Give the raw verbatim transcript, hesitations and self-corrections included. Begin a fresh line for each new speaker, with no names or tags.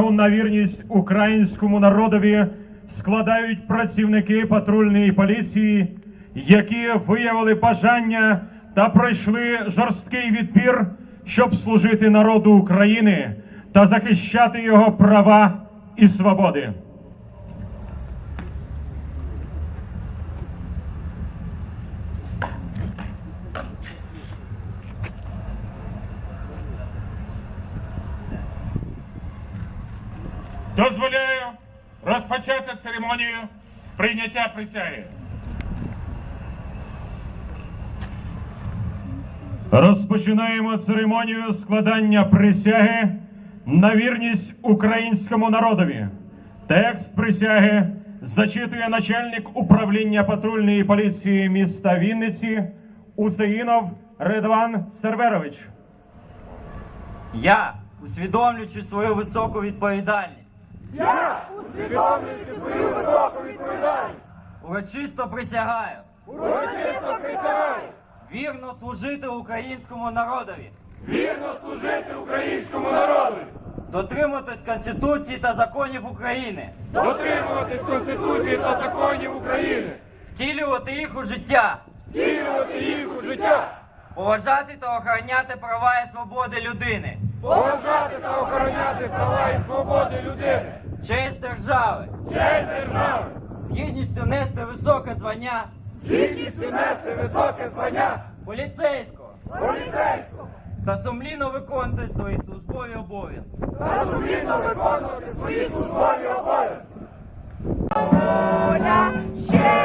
присягу на вірність українському народові складають працівники патрульної поліції, які виявили бажання та пройшли жорсткий відбір, щоб служити народу України та захищати його права і свободи.
Дозволяю розпочати церемонію прийняття присяги.
Розпочинаємо церемонію складання присяги на вірність українському народові. Текст присяги зачитує начальник управління патрульної поліції міста Вінниці Усеїнов Редван Серверович.
Я, усвідомлюючи свою високу відповідальність,
Я, усвідомлюючи свою високу відповідальність,
урочисто присягаю
урочисто присягаю
вірно служити українському народові,
вірно служити українському народу,
дотримуватись Конституції та законів України,
дотримуватись Конституції та законів України,
втілювати їх у життя,
втілювати їх у життя,
поважати та охороняти права і свободи людини,
поважати та охороняти права і свободи людини,
честь держави,
честь держави,
з гідністю нести високе звання
з гідністю нести високе звання
поліцейського
поліцейського
та сумлінно виконувати свої службові обов'язки.
та сумлінно виконувати свої службові обов'язки.
Воля ще